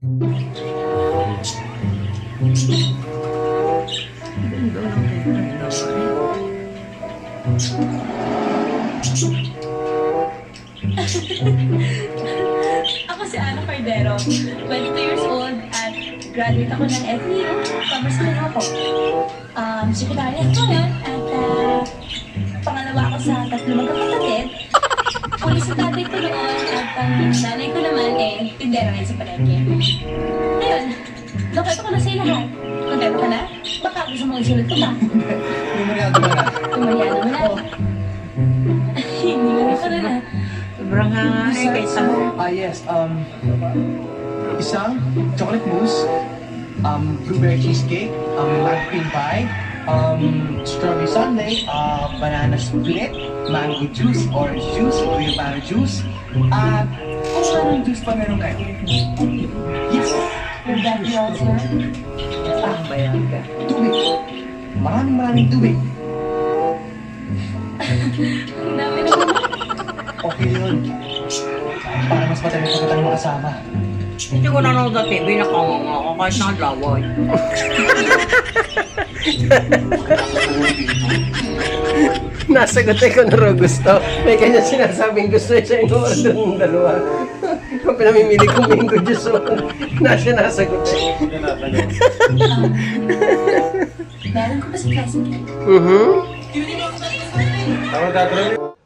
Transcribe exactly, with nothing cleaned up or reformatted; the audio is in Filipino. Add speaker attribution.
Speaker 1: Ako si Ana Cordero, twenty-two years old at graduate ako ng F E U, Commerce din ako. Um, secretary ako ngayon at uh, pangalawa ako sa tatlo magkakapatid. Uli sa tatay ko noon at ang nanay ko naman eh, tindera ngayon sa palengke. Ayun, nakita ko na sa lahat. Kontento ka na? Baka gusto mong isulat ko ba?
Speaker 2: Tumaryado mo na.
Speaker 1: Tumaryado mo na. Hindi mo ko na na.
Speaker 3: Sobrang hanga eh, kahit sa
Speaker 2: Ah, yes. Um, isang chocolate mousse, um, blueberry cheesecake, um, mango cream pie, um, strawberry sundae, uh, banana split, mango juice, orange juice, guayabano juice, at kung anong juice pa meron kayo. Yes!
Speaker 1: Your daddy also.
Speaker 3: ang bayan ka.
Speaker 2: Tubig. Maraming maraming tubig.
Speaker 1: Ang dami naman.
Speaker 2: Okay yun. Para mas madami pa kitang makasama.
Speaker 3: Hindi ko nanonood sa T V, nakanganga ako kahit nakadlaway.
Speaker 4: Nasagot ko na raw gusto. May kanya sinasabing gusto siya yung order ng dalawa. Kung pinamimili kong mango juice, so, na siya nasagot eh.
Speaker 1: Um, meron ko pa sa class.
Speaker 4: Mhm.
Speaker 2: Tama, tatanong